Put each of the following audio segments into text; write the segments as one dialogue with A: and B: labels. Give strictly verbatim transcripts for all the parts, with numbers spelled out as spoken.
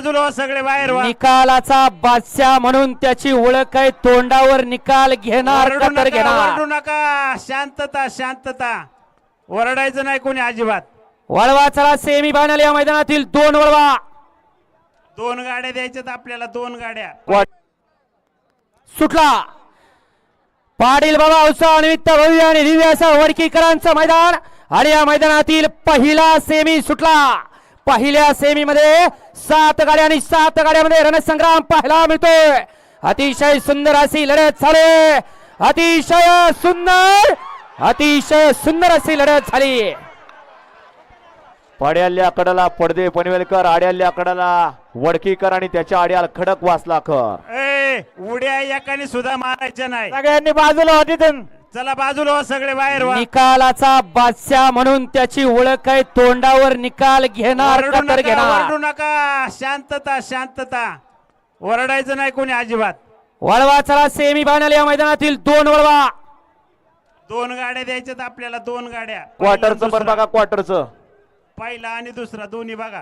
A: बाजूला हो, सगळे बाहेर व्हा.
B: निकालाचा बादशाह म्हणून त्याची ओळख आहे. तोंडावर निकाल घेणार
A: ओरडू
B: का तर
A: नका,
B: घेणार.
A: ओरडू नका. शांतता शांतता. ओरडायचं नाही कोणी अजिबात.
B: वळवा चला सेमी फायनल या मैदानातील दोन वळवा.
A: दोन गाड्या द्यायच्यात आपल्याला, दोन गाड्या.
B: सुटला पाटील बाबा उत्सव निमित्त भव्य आणि दिव्य असं वडकीकरांचं मैदान आणि या मैदानातील पहिला सेमी सुटला. पहिल्या सेमी मध्ये सात गाड्या आणि सात गाड्यामध्ये रणसंग्राम पाहायला मिळतोय. अतिशय सुंदर अशी लढत झाली. अतिशय सुंदर अतिशय सुंदर अशी लढत झाली.
C: पड्याल्या कडाला पडदे पनवेलकर, आड्याल्या कडाला वडकीकर आणि त्याच्या आड्याला खडक वासलाकर.
A: ए उड्या एकाने सुद्धा मारायच्या नाही.
B: सगळ्यांनी बाजूला होती.
A: चला बाजूला हो, सगळे बाहेर व्हा.
B: निकालाचा बादशाह म्हणून त्याची ओळख आहे. तोंडावर निकाल घेणार
A: ओरडू
B: का तर
A: नका,
B: घेणार.
A: ओरडू नका. शांतता शांतता. ओरडायचं नाही कोणी अजिबात.
B: वळवा चला सेमी फायनल या मैदानातील दोन वळवा.
A: दोन गाड्या द्यायच्यात आपल्याला, दोन गाड्या.
C: क्वार्टरचं पण बघा, क्वार्टरचं
A: पहिला आणि दुसरा दोन्ही बघा.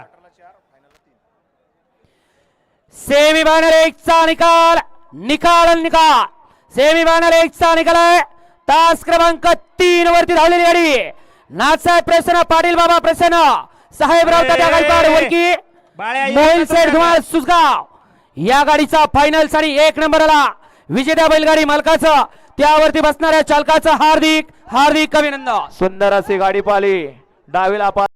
B: सेमी फायनल एक चा निकाल निकाल निकाल सेमी फायनल एक चा निकाल आहे. तास क्रमांक तीन वरती धावलेली गाडी नाथसाहेब प्रसन्न, पाटील बाबा प्रसन्न, साहेबराव तात्या गायकवाड वडकी,
A: बाळ्या
B: मोहिल सेठ धुमाळ सुसगाव या गाडीचा फायनल साठी एक नंबरला विजेत्या बैलगाडी मालकाचं त्यावरती बसणाऱ्या चालकाचं हार्दिक हार्दिक अभिनंदन.
C: सुंदर अशी गाडी पाहिली डावीला.